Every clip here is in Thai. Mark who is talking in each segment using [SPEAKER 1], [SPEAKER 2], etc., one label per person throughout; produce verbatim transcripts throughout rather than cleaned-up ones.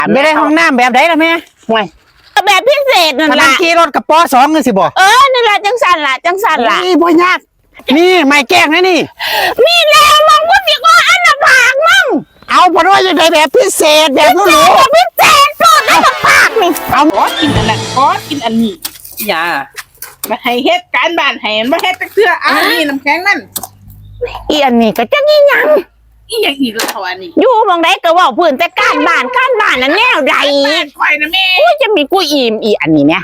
[SPEAKER 1] ไม่ได้ห้องน้ำแบบไหนล่ะแม่ห่วย
[SPEAKER 2] แบบพิเศษนั่น
[SPEAKER 1] มัน
[SPEAKER 2] ล่ะ
[SPEAKER 1] ขี่รถกับปอสองกันสิบ่
[SPEAKER 2] เออนั่นแหละจังสันล่ะจังสันล่ะ
[SPEAKER 1] นี่บ่ยากนี่ไม่แกล้งนะนี่
[SPEAKER 2] มีแล้วมึงกูสิก็อันละปากมึง
[SPEAKER 1] เอาเพราะว่าจะได้แบบพิเศษแบบหรู
[SPEAKER 2] แบบพิเศษสุดอันละปากนี่
[SPEAKER 1] ๆเอา
[SPEAKER 3] ขอกินอันนั้นขอกินอันนี้อย่ามาให้เฮ็ดการบ้านให้มาเฮ็ดตะเกืออันนี้น้ำแข็งนั่น
[SPEAKER 2] อีอันนี้ก็จังอีหยัง
[SPEAKER 3] อีหยังอีกแล้วเท่าอันนี้
[SPEAKER 2] อยู่บางใดก็เว่าพื้นแต่การบ้านการบ้านนั่นแนวใด
[SPEAKER 3] แม่ข่อยนะแม่
[SPEAKER 2] กูจะมีกูอิ่มอีอันนี้เนี่ย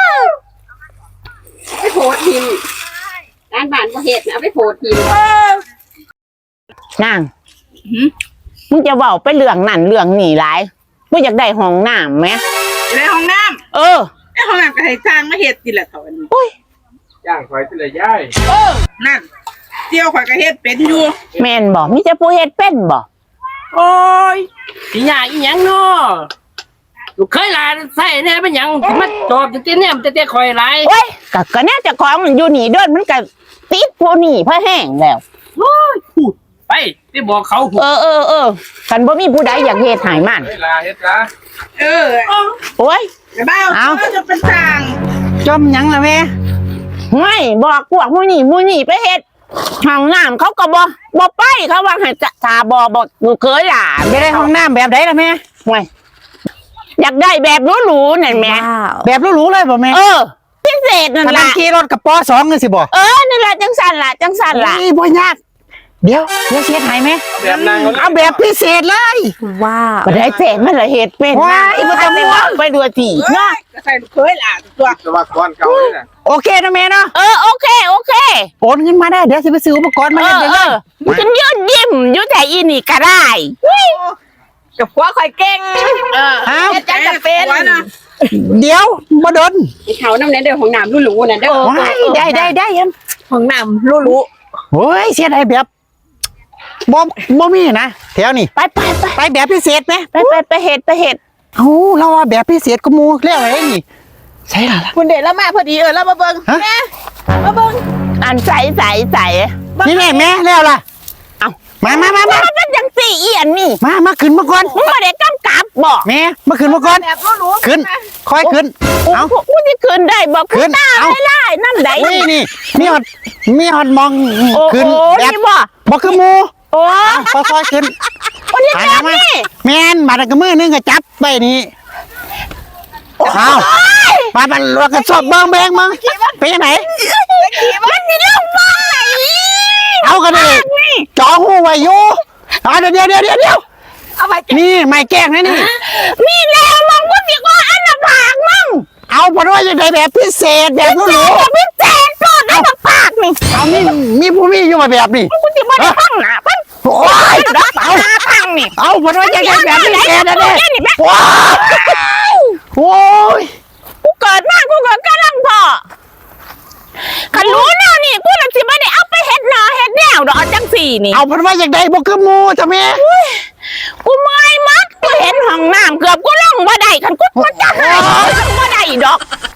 [SPEAKER 4] ไปโผล่ทีมการบ้านก็เห็ดเอาไปโผล่ทีม
[SPEAKER 2] นางมึงจะเว้าไปเรื่องนั่นเรื่องนี่หลายกูอยากได้ห้องน้ำไหม
[SPEAKER 3] ในห้องน้
[SPEAKER 2] เออ
[SPEAKER 3] ำในห้องน้ำก็ให้จ้างมาเฮ็ดทีละเท่าอันนี้
[SPEAKER 2] อุ้ย
[SPEAKER 5] ย่างคอยสิเลยย่าย
[SPEAKER 3] เออนั่นเจียวข่อยก็เฮ็ดเป็นอยู่
[SPEAKER 2] แม่นบ่มีแต่ผู้เฮ็ดเป็นบ่
[SPEAKER 6] โอ้ยสิหยาอีหยังเนาะลูกเคยหลานใส่แน่เป็นหยังมาตอบจะเตี้ยเนี่ยมันจะเตี้ยคอยหลาย
[SPEAKER 2] โอ้ยก็ก็แน่เจะของมันอยู่นี่เด้อมันก็ติดผู้นี่เพื่อแห้งแล้ว
[SPEAKER 6] โอ้ยพูดไปที่บอกเขาพูด
[SPEAKER 2] เออเออเออกันบ่มีผู้ใดอยากเฮ็ดให้มัน
[SPEAKER 5] เวลาเฮ็ดละ
[SPEAKER 3] เออ
[SPEAKER 2] โอ้ย
[SPEAKER 3] ไอ้บ้า
[SPEAKER 1] เอา
[SPEAKER 3] จะเป็นจ้าง
[SPEAKER 1] จมหยังล่ะแม่
[SPEAKER 2] ไม่บอกพวกผู้นี่ผู้นี่ไปเฮ็ดห้องน้ำเขาก็บ่บ่ไปเขาว่าให้จะถ้าบ่บ่ลูกเคยล่ะ
[SPEAKER 1] ไม่ได้ห้องน้ำแบบไหนล่ะแม่
[SPEAKER 2] ห่วยอยากได้แบบหรูๆนั่นแหม่
[SPEAKER 1] แบบหรูๆเลยบ่แม่
[SPEAKER 2] เออพิเศษนั่น
[SPEAKER 1] มัน
[SPEAKER 2] ล่ะ
[SPEAKER 1] ขี่รถกับปอสองกันสิบ่
[SPEAKER 2] เออนั่นล่ะจังสั่นล่ะจังสั่นล่ะ
[SPEAKER 1] นี่บ่ยากเดี๋ยวเดี๋ยวเสียหายไหม
[SPEAKER 5] แบบนางเขา
[SPEAKER 1] เอาแบบพิเศษเลย
[SPEAKER 2] บ่ได้เศษมันละเฮ็ดเป็น
[SPEAKER 1] ว้ายบ่ต้องห่วง
[SPEAKER 2] ไปดูที
[SPEAKER 3] เนาะ
[SPEAKER 2] เนาะ
[SPEAKER 3] ก็ใส่ลูกเคยล่ะตัว
[SPEAKER 5] แต่ว่าก้อนเก่านี่น่ะ
[SPEAKER 1] โอเคนะแม่เนาะ
[SPEAKER 2] เออโอเคโอเค
[SPEAKER 1] โอนเงินมาได้เดี๋ยวสิไปซื้ออุปกรณ์มา
[SPEAKER 2] เอ
[SPEAKER 1] เฮ็ด
[SPEAKER 2] อ
[SPEAKER 1] ได้
[SPEAKER 2] เอ
[SPEAKER 1] เลย
[SPEAKER 2] อฉันยืนยิ้มอยู่แต่อีนี่ก็ได้
[SPEAKER 3] กับผัวข่อยเก่งเออ
[SPEAKER 1] เอา
[SPEAKER 3] เฮ็ดจังจะเป็นนะ
[SPEAKER 1] เดี๋ยวบ่โดน
[SPEAKER 4] เขาน้ำในเด้อของน้ำรุ่นหรูน่ะเด้อ
[SPEAKER 1] ว้ายได้ได้ได้ยัง
[SPEAKER 3] ห้องน้ำรู้รู้
[SPEAKER 1] โอ้ยเสียดายแบบบ่บ่มีนะแถวนี้
[SPEAKER 2] ไปไปไป
[SPEAKER 1] ไปแบบพิเศษไหม
[SPEAKER 2] ไปไปไปเฮ็ดไปเฮ็ด
[SPEAKER 1] เอ้าเราว่าแบบพิเศษก็มูเรียกอะไรนี่ใช่ล่ะ
[SPEAKER 3] คุณเด็กแล้วมาพอดีเออแล้วมาเบิ่ง
[SPEAKER 1] ฮะ
[SPEAKER 3] แม่มาเบิ่ง
[SPEAKER 2] อันใสใสใส
[SPEAKER 1] นี่แม่แม่แล้วล่ะ
[SPEAKER 2] เอ้า
[SPEAKER 1] มามามามา
[SPEAKER 2] มันเป็นจังสี่เอียนนี่
[SPEAKER 1] มามาขึ้นมาก่อน
[SPEAKER 2] มึงบ่ได้กำกับบ่
[SPEAKER 1] แม่มาขึ้นมาก่อน
[SPEAKER 3] แบบรู้รู้
[SPEAKER 1] ขึ้นคอยขึ้น
[SPEAKER 2] กู
[SPEAKER 1] เอา
[SPEAKER 2] กูสิขึ้นได้บ่
[SPEAKER 1] ขึ้
[SPEAKER 2] กู
[SPEAKER 1] น
[SPEAKER 2] ตา
[SPEAKER 1] เอา
[SPEAKER 2] ไม่ไล่น้ำใด
[SPEAKER 1] นี่นี่มีฮอดมีฮอดมอง
[SPEAKER 2] โอ้
[SPEAKER 1] ขึ้น
[SPEAKER 2] โห
[SPEAKER 1] แบบ
[SPEAKER 2] นี่บ่
[SPEAKER 1] บ่คือหมู
[SPEAKER 2] โอ้
[SPEAKER 1] ค่อยๆขึ้น
[SPEAKER 2] คนนี้
[SPEAKER 1] ไป
[SPEAKER 2] แบ
[SPEAKER 1] นะ
[SPEAKER 2] บ
[SPEAKER 1] มา
[SPEAKER 2] นี้
[SPEAKER 1] แม่นบาดกระมือนึงก็จับไปนี่เอาไปไปรถกระสอบเบิ่งแบงมึงไปยังไหน
[SPEAKER 2] มันสิลงฟังไหน
[SPEAKER 1] เอากันดิจอหูไว้อยู่เอาเดี๋ยวเดี๋ยวเดี๋ยวเดี๋ยว
[SPEAKER 3] เอาไป
[SPEAKER 1] นี่ไม่แกล้งนะนี่
[SPEAKER 2] มีแล้วมึงกูสิก็อันละปากมึง
[SPEAKER 1] เอาเพราะว่าจะได้แบบพิเศษแบบหรู
[SPEAKER 2] แบบพิเศษสุดอันละปากนี่
[SPEAKER 1] ๆเอามีมีผู้มีอยู่มาแบบนี้
[SPEAKER 2] กูสิบ่ได้ฟังหน้ามัน
[SPEAKER 1] โอ้ย
[SPEAKER 2] เอาหน้าฟังนี่
[SPEAKER 1] เอาเพราะว่าจะได้แบบพิเศษนะเนี่ย
[SPEAKER 2] นี่แม่
[SPEAKER 1] ว้าวโอ้ย
[SPEAKER 2] กูเกิดมากูก็กำลังพอคันรู้แนวนี่กูน่ะสิบ่ได้เอาไปเฮ็ดหน้าเฮ็ดแนวดอกจังสี่นี่
[SPEAKER 1] เอาเพราะว่าอยากได้บ่คือหมูจ้ะแม่
[SPEAKER 2] กูเมื่อยมัดกูเห็นห้องน้ำเกือบกูลงบ่ได้คันกูมันจะหายกูลงบ่ได้ดอก